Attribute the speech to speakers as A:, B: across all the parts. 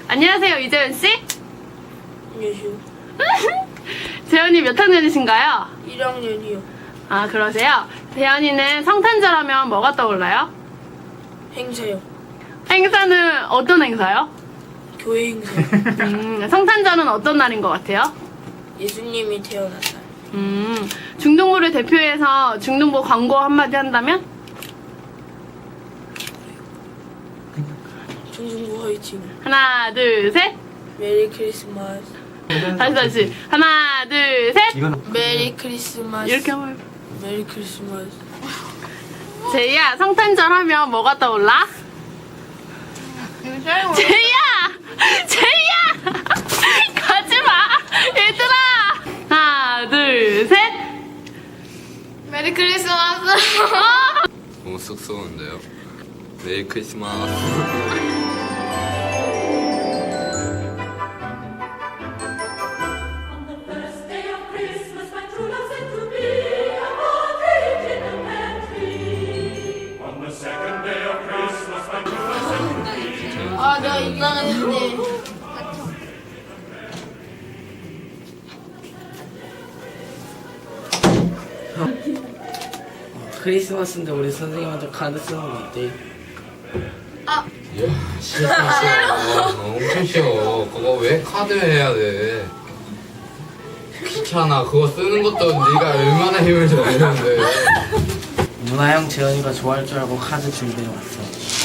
A: 안녕하세요, 이재현 씨.
B: 안녕하세요.
A: 재현이 몇 학년이신가요?
B: 1학년이요.
A: 아, 그러세요? 재현이는 성탄절하면 뭐가 떠올라요?
B: 행사요.
A: 행사는 어떤 행사요?
B: 교회 행사.
A: 성탄절은 어떤 날인 것 같아요?
B: 예수님이 태어났다.
A: 중등부를 대표해서 중등부 광고 한마디 한다면?
B: 중등부 화이팅.
A: 하나, 둘, 셋.
B: 메리 크리스마스.
A: 다시. 하나, 둘, 셋.
B: 메리 크리스마스.
A: 이렇게 한번 해봐.
B: 메리 크리스마스.
A: 제이야, 성탄절 하면 뭐가 떠올라? 제이야! 가지마! 얘들아! 하나, 둘, 셋.
C: 메리 크리스마스.
D: 너무 쑥스러운데요. 메리 크리스마스.
C: 아, 내가 이상했는데.
B: 크리스마스인데 우리 선생님한테 카드 쓰는 거 어때?
D: 이야, 싫어. 엄청 싫어. 그거 왜 카드 해야 돼? 귀찮아. 그거 쓰는 것도 네가 얼마나 힘을 좀 내는데.
B: 누나 형 재현이가 좋아할 줄 알고 카드 준비해 왔어.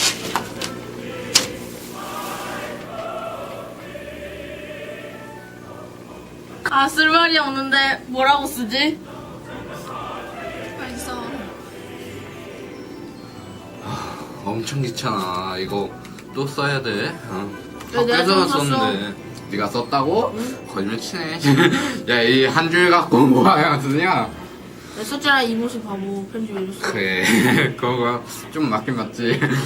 C: 아, 쓸 말이 없는데 뭐라고 쓰지? 알겠어.
D: 엄청 귀찮아. 이거 또 써야 돼.
C: 왜 내가
D: 학교에서만
C: 좀 썼어?
D: 썼는데. 네가 썼다고? 거짓말 치네. 야, 이 한 줄 갖고 뭐 하냐 쓰냐?
B: 내 썼잖아 이 모습 바보 편집해줬어.
D: 그래. 그거 좀 맞긴 맞지.
B: 그래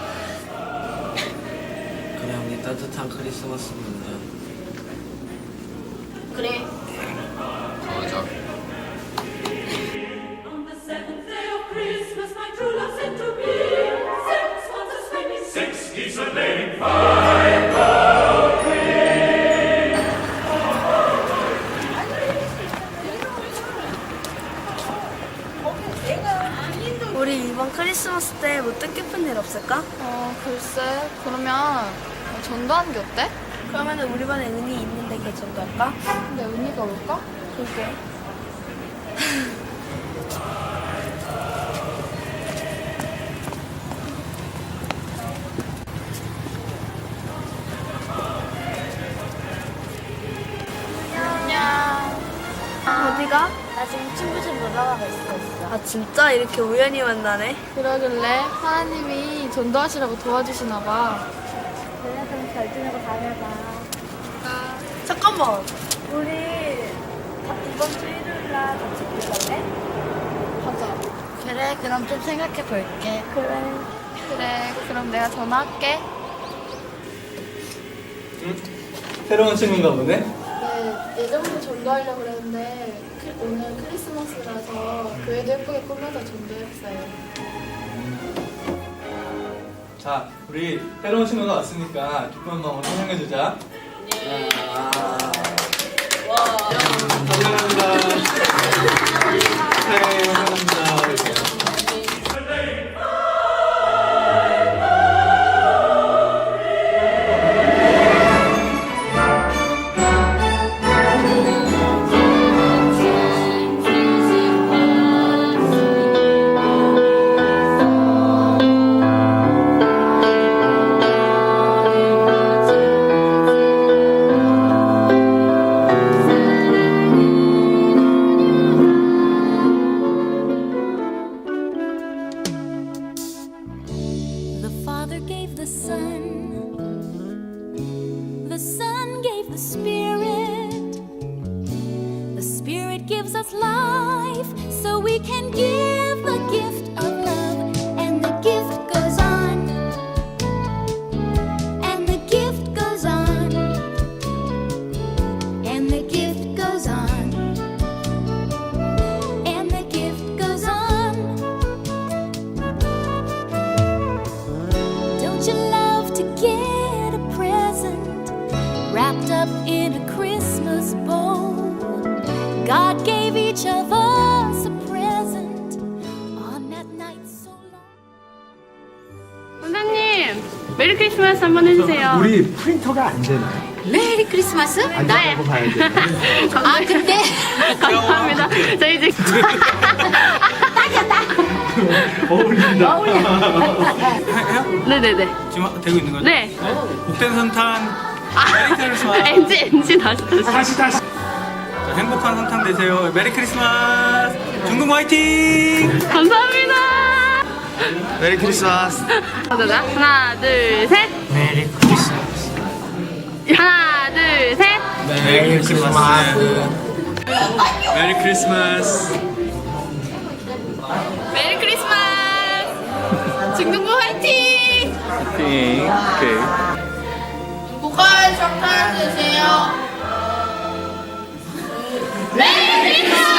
B: 우리 따뜻한 크리스마스 보내자.
C: 그래.
D: 가자.
E: On the seventh day of Christmas, my true love sent to me 6 months a swimming, 6 geese a laying, 5 gold rings.
F: 우리 이번 크리스마스 때 뭐 뜻깊은 일 없을까?
C: 글쎄. 그러면 전도하는 게 어때?
F: 그러면은 우리 반에 은희 있는데 걔 전도할까?
C: 근데 은희가 올까?
F: 그게 어디가?
G: 나 지금 친구 집 놀러 가고 있어.
F: 아 진짜 이렇게 우연히 만나네?
C: 그러길래 하나님이 전도하시라고 도와주시나 봐.
G: 그래, 그럼 잘 지내고 다녀봐.
F: 잠깐만 우리 이번 주 일요일 날 같이 볼래?
C: 가자.
G: 그래, 그럼 좀 생각해 볼게.
C: 그래, 그럼 내가 전화할게.
H: 새로운 친구인가 보네?
C: 네, 예전부터 전도하려고 그랬는데 오늘 크리스마스라서 교회도 예쁘게 꾸며서 전도했어요.
H: 자, 우리 새로운 친구가 왔으니까 기쁜 마음으로 환영해주자. 감사합니다. 네, 감사합니다.
E: The Father gave the Son gave the Spirit gives us life, so we can give the gift of love, and the gift goes on, and the gift goes on, and the gift goes on, and the gift goes on. Don't you love to get a present each of us a present on that night so long.
A: 원장님 메리 크리스마스 한번 해주세요.
I: 우리 프린터가 안 되나요?
G: 메리 크리스마스?
I: 안 된다고 봐야 돼.
G: 아 근데
A: 감사합니다. 저 이제
I: 어울린다.
A: 네네네.
H: 지금 되고 있는 거죠?
A: 네.
H: 복된 선탄 메리 크리스마스.
A: NG 다시.
H: 자, 행복한 선탄 되세요. 메리 크리스마스. 중국 화이팅.
A: 감사합니다.
I: 메리 크리스마스.
A: 하나 둘 셋.
B: 메리 크리스마스.
A: 하나 둘 셋.
B: 메리 크리스마스.
H: 메리 크리스마스.
A: 메리 크리스마스. 중등부 화이팅.
H: 오케이.
C: 행복한 성탄 되세요.
A: 메리 크리스마스.